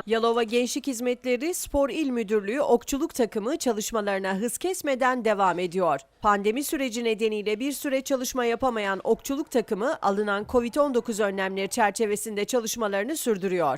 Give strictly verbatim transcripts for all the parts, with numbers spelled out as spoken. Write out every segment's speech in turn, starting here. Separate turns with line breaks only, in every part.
Yalova Gençlik Hizmetleri Spor İl Müdürlüğü okçuluk takımı çalışmalarına hız kesmeden devam ediyor. Pandemi süreci nedeniyle bir süre çalışma yapamayan okçuluk takımı alınan kovid on dokuz önlemleri çerçevesinde çalışmalarını sürdürüyor.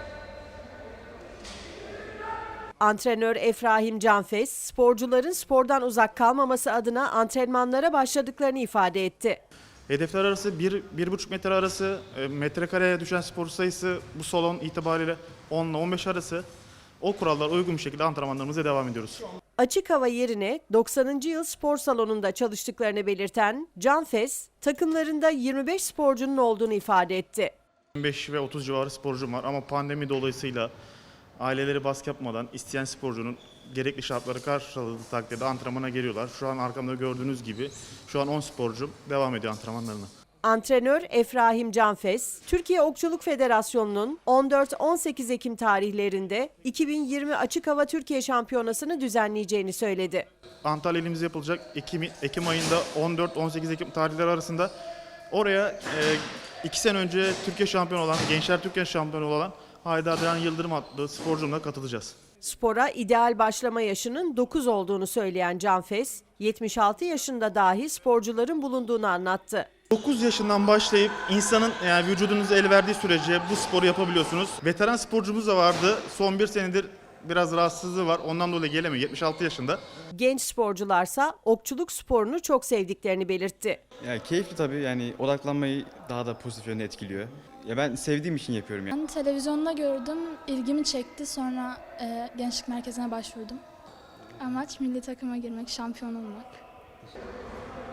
Antrenör Efrahim Canfes, sporcuların spordan uzak kalmaması adına antrenmanlara başladıklarını ifade etti.
Hedefler arası bir bir buçuk metre arası, metrekareye düşen spor sayısı bu salon itibariyle on ile on beş arası. O kurallara uygun bir şekilde antrenmanlarımıza devam ediyoruz.
Açık hava yerine doksanıncı yıl spor salonunda çalıştıklarını belirten Canfes, takımlarında yirmi beş sporcunun olduğunu ifade etti.
yirmi beş ve otuz civarı sporcum var ama pandemi dolayısıyla aileleri baskı yapmadan isteyen sporcunun gerekli şartları karşıladığı takdirde antrenmana geliyorlar. Şu an arkamda gördüğünüz gibi şu an on sporcum devam ediyor antrenmanlarına.
Antrenör Efrahim Canfes, Türkiye Okçuluk Federasyonu'nun on dört on sekiz Ekim tarihlerinde iki bin yirmi Açık Hava Türkiye Şampiyonası'nı düzenleyeceğini söyledi.
Antalya ilimizde yapılacak Ekim, Ekim ayında on dört on sekiz Ekim tarihleri arasında oraya e, iki sene önce Türkiye şampiyonu olan, Gençler Türkiye şampiyonu olan Haydar Can Yıldırım adlı sporcumla katılacağız.
Spora ideal başlama yaşının dokuz olduğunu söyleyen Canfes, yetmiş altı yaşında dahi sporcuların bulunduğunu anlattı.
dokuz yaşından başlayıp insanın yani vücudunuz el verdiği sürece bu sporu yapabiliyorsunuz. Veteran sporcumuz da vardı. Son bir senedir biraz rahatsızlığı var. Ondan dolayı gelemiyor. yetmiş altı yaşında.
Genç sporcularsa okçuluk sporunu çok sevdiklerini belirtti.
Ya keyifli tabii, yani odaklanmayı daha da pozitif yönde etkiliyor. Ya ben sevdiğim için yapıyorum yani.
Ben televizyonda gördüm, ilgimi çekti. Sonra e, gençlik merkezine başvurdum. Amaç milli takıma girmek, şampiyon olmak.